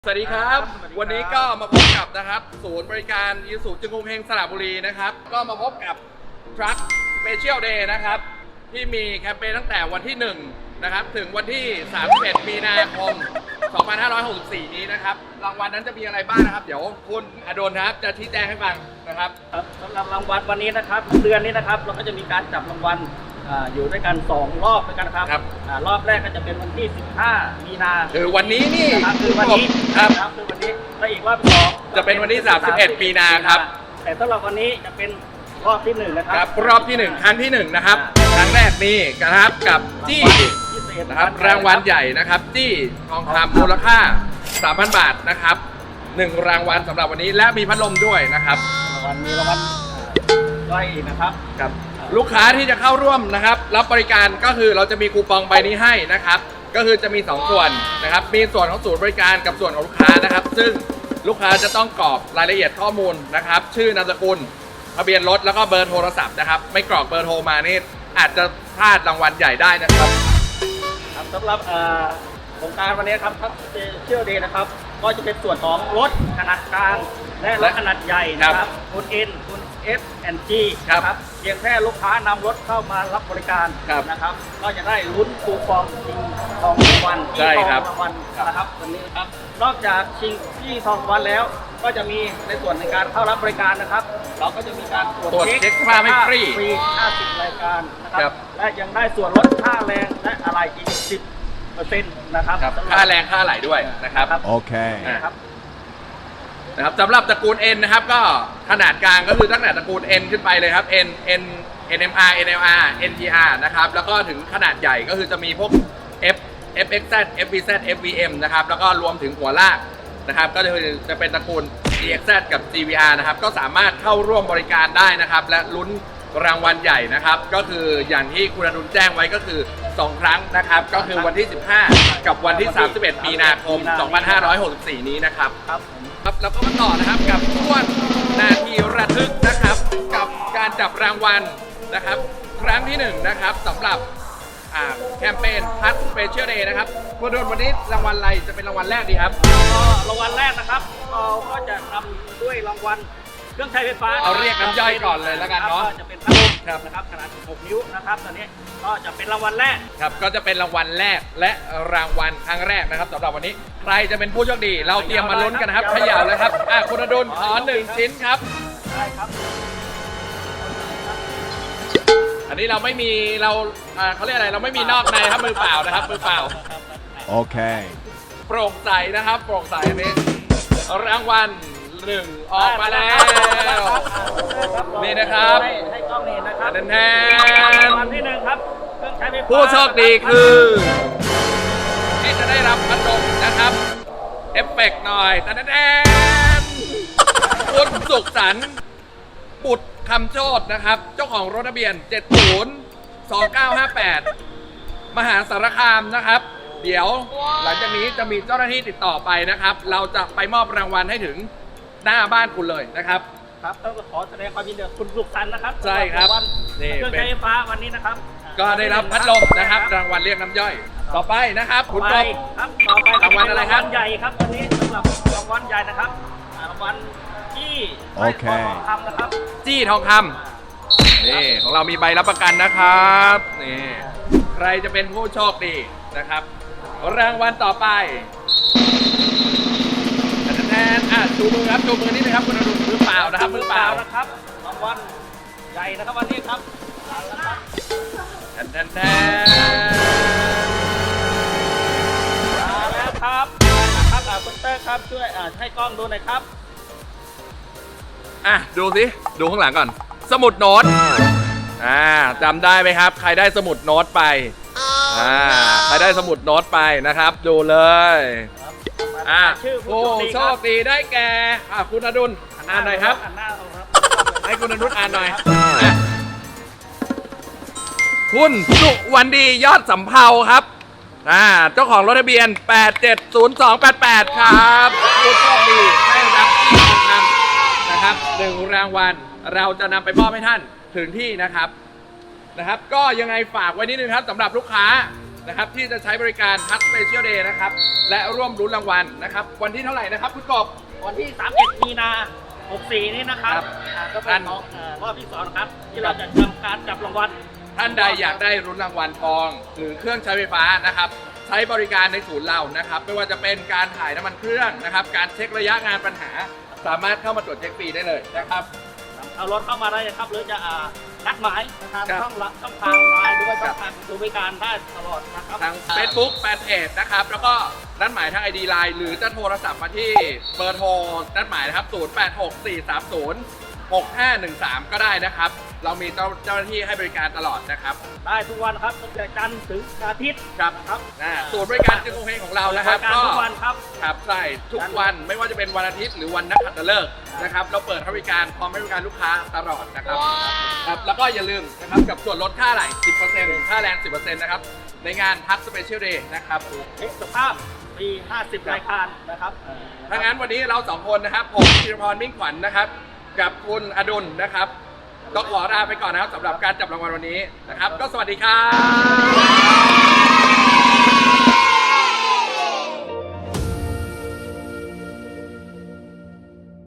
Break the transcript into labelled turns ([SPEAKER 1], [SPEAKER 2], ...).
[SPEAKER 1] สวัสดีครับ วันนี้ก็มาพบกับนะครับศูนย์บริการอีซูซูจึงกรุงเฮงสระบุรีนะครับก็มาพบกับ Truck Special Day นะครับที่มีแคมเปญตั้งแต่วันที่1นะครับถึงวันที่31มีนาคม2564นี้นะครับรางวัลนั้นจะมีอะไรบ้างนะครับเดี๋ยวคุณอดลครับจะชี้แจงให้ฟังนะครับ
[SPEAKER 2] สำหรับรางวัลวันนี้นะครับเดือนนี้นะครับเราก็จะมีการจับรางวัลอยู่ด้วยกัน2รอบด้วยกันนะครับรอบแรกก็จะเป็นวันที่15มีนา
[SPEAKER 1] คือวันนี้นี่
[SPEAKER 2] คือวันนี้
[SPEAKER 1] ครับ
[SPEAKER 2] คือวันนี้และอีกรอบ2
[SPEAKER 1] จะเป็นวันที่31มีนาครับ
[SPEAKER 2] แต่สำหรับวันนี้จะเป็นรอบที่1นะครับ
[SPEAKER 1] รอบที่1ครั้งที่1นะครับครั้งแรกนี่นะครับกับจี้นะครับรางวัลใหญ่นะครับจี้ทองคำมูลค่า 3,000 บาทนะครับ1รางวัลสำหรับวันนี้และมีพัดลมด้วยนะครับ
[SPEAKER 2] มีรางวัลย่อยอีกนะครับ
[SPEAKER 1] ลูกค้าที่จะเข้าร่วมนะครับรับบริการก็คือเราจะมีคูปองใบนี้ให้นะครับก็คือจะมี2ส่วนนะครับมีส่วนของศูนย์บริการกับส่วนของลูกค้านะครับซึ่งลูกค้าจะต้องกรอกรายละเอียดข้อมูลนะครับชื่อนามสกุลทะเบียนรถแล้วก็เบอร์โทรศัพท์นะครับไม่กรอกเบอร์โทรมานี่อาจจะพลาดรางวัลใหญ่ได้นะครับ
[SPEAKER 2] สำหรับโครงการวันนี้ครับเชื่อดีนะครับก็จะเป็นส่วนของรถขนาดกลางและรถขนาดใหญ่นะครับคุณเอ็นคุณS&G ครับเพียงแค่ลูกค้านำรถเข้ามารับบริการนะครับก็จะได้ลุ้นคูปองชิงทองรางวัลที่ทองรางวัลนะครับวันนี้ครับนอกจากชิงที่ทองรางวัลแล้วก็จะมีในส่วนในการเข้ารับบริการนะครับเราก็จะมีการตรวจเช็ค
[SPEAKER 1] ค่าไม่ฟรี
[SPEAKER 2] 50รายการนะครับและยังได้ส่วนลดค่าแรงและอะไรอีก10%นะครับ
[SPEAKER 1] ค่าแรงค่าไหลด้วยนะครับ
[SPEAKER 3] โอเค
[SPEAKER 1] นะครับสำหรับตระกูล N นะครับก็ขนาดกลางก็คือตั้งแต่ตระกูล N ขึ้นไปเลยครับ NMR NLR NTR นะครับแล้วก็ถึงขนาดใหญ่ก็คือจะมีพวก FXZ FVZ FVM นะครับแล้วก็รวมถึงหัวลากนะครับก็จะเป็นตระกูล GXZ กับ GVR นะครับก็สามารถเข้าร่วมบริการได้นะครับและลุ้นรางวัลใหญ่นะครับก็คืออย่างที่คุณอดุลแจ้งไว้ก็คือ2ครั้งนะครับก็คือวันที่15กับวันที่31มีนาคม2564นี้นะครับแล้วก็มาต่อนะครับกับช่วงนาทีระทึกนะครับกับการจับรางวัลนะครับครั้งที่1นะครับสำหรับแคมเปญพัดสเปเชียลเดย์นะครับคุณอดุลวันนี้รางวัลอะไรจะเป็นรางวัลแรกดีครับ
[SPEAKER 2] รางวัลแรกนะครับเราก็จะทำด้วยรางวัลเครื่องใช้ไฟฟ้า
[SPEAKER 1] เอาเรียกน้ำย่อยก่อนเลยแล้วกันเนาะ
[SPEAKER 2] จะเป็นพัดลมนะครับขนาด6นิ้วนะครับตอนนี้ก็จะเป็นรางวัลแรก
[SPEAKER 1] ครับก็จะเป็นรางวัลแรกและรางวัลครั้งแรกนะครับสำหรับวันนี้ใครจะเป็นผู้โชคดีเราเตรียมมาลุ้นกันนะครับเขย่าเลยครับคุณอดุลขอ1ชิ้นครับ
[SPEAKER 2] ได้ครับ
[SPEAKER 1] อันนี้เราไม่มีเขาเรียกอะไรเราไม่มีนอกในครับมือเปล่านะครับมือเปล่า
[SPEAKER 3] โอเค
[SPEAKER 1] โปร่งใสนะครับโปร่งใสอันนี้รางวัล1ออกมาแล้วนี่นะครับ
[SPEAKER 2] ให้กล้องเห็นนะครับ
[SPEAKER 1] แทน
[SPEAKER 2] รางวัลที่1ครับเครื่องใช้ไฟฟ้า
[SPEAKER 1] ผู้โชคดีคือที่จะได้รับพัดลมนะครับเอฟเฟกต์หน่อยแทนคุณสุขสันต์บุตรคำโชตินะครับเจ้าของรถทะเบียน702958มหาสารคามนะครับเดี๋ยวหลังจากนี้จะมีเจ้าหน้าที่ติดต่อไปนะครับเราจะไปมอบรางวัลให้ถึงหน้าบ้านคุณเลยนะครับ
[SPEAKER 2] ครับต้องขอแสดงความยินดีคุณสุขสันต์นะครับ
[SPEAKER 1] ใช่ครับ
[SPEAKER 2] นี่เครื่องใช้ไฟฟ้าวันนี้นะครับ
[SPEAKER 1] ก็ได้รับพัดลมนะครับรางวัลเรียกน้ำย่อยต่อไปนะครับคุณกบ
[SPEAKER 2] ครับต่อไป
[SPEAKER 1] รางวัลอะไรครับ
[SPEAKER 2] ใหญ่ครับวันนี้สำหรับรางวัลใหญ่นะครับรางวัลจี้ทองคำนะครับ
[SPEAKER 1] จี้ทองคำนี่ของเรามีใบรับประกันนะครับนี่ใครจะเป็นผู้โชคดีนะครับรางวัลต่อไปแทนชูมือครับชูมือนี่นะครับคุณอดุลมือเปล่านะครับมือเปล่า
[SPEAKER 2] นะครับรางวัลใหญ่นะครับวันนี้ครับ
[SPEAKER 1] แทน
[SPEAKER 2] มาแล้วครับนะครับคุณเตอร์ครับช่วยให้กล้องดูหน่อยครับ
[SPEAKER 1] ดูสิดูข้างหลังก่อนสมุดโน้ตจำได้ไหมครับใครได้สมุดโน้ตไปใครได้สมุดโน้ตไปนะครับดูเลยผู้โชคดีได้แก่คุณอดุลอ่านหน่อยครับให้คุณอดุลอ่านหน่อยคุณสุวรรณดียอดสำเภาครับเจ้าของรถทะเบียน870288ครับผู้โชคดีได้รับที่ทองคำนะครับ1รางวัลเราจะนำไปมอบให้ท่านถึงที่นะครับก็ยังไงฝากไว้นิดนึงครับสำหรับลูกค้านะครับที่จะใช้บริการทักสเปเชียลเดย์นะครับและร่วมรุ้นรางวัลนะครับวันที่เท่าไหร่นะครับคุณกบ
[SPEAKER 2] วันที่ 31 มีนา 64 นี้นะครับ
[SPEAKER 1] ครับ
[SPEAKER 2] ก็เป็นของรอบที่2นะครับ ที่เราจะทำการจับรางวัล
[SPEAKER 1] ท่านใดอยากได้รุ้นรางวัลทอง หรือเครื่องใช้ไฟฟ้านะครับใช้บริการในศูนย์เรานะครับไม่ว่าจะเป็นการถ่ายน้ำมันเครื่องนะครับการเช็คระยะงานปัญหา สามารถเข้ามาตรวจเช็คฟรีได้เลยนะครับ
[SPEAKER 2] เอารถเข้ามาได้เลยครับ หรือจะนัดหมายนะครับ
[SPEAKER 1] ครับ
[SPEAKER 2] ช่องทางไลน์หรือว่าช่องทางศูนย์บริการได้ตลอดนะครับ
[SPEAKER 1] ทาง Facebook แฟนเพจนะครับแล้วก็นัดหมายทาง ID Line หรือจะโทรศัพท์มาที่เบอร์โทรนัดหมายนะครับ 0864306513 ก็ได้นะครับ เรามีเจ้าหน้าที่ให้บริการตลอดนะครับ
[SPEAKER 2] ได้ทุกวันครับตั้งแต่จันทร์ถึงอาทิตย์
[SPEAKER 1] ครับ
[SPEAKER 2] ครับ
[SPEAKER 1] ศูนย์บริการจึงโอเคของเรานะครับ
[SPEAKER 2] บริการทุกวันครับ
[SPEAKER 1] ครับใช่ทุกวันไม่ว่าจะเป็นวันอาทิตย์หรือวันนักขัตฤกษ์นะครับเราเปิดให้บริการพร้อมให้บริการลูกค้าตลอดนะครับครับแล้วก็อย่าลืมนะครับกับส่วนลดค่าไหล 10% ค่าแรง 10% นะครับในงานทักสเปเชียลเดย์นะครับ
[SPEAKER 2] เช็คสภาพปี50 รายการนะครับ
[SPEAKER 1] ถ้างั้นวันนี้เราสองคนนะครับผมธีรพรมิ่งขวัญนะครับกับคุณอดุลนะครับต้องขอลาไปก่อนนะครับสำหรับการจับรางวัลวันนี้นะครับก็สวัสดีครับ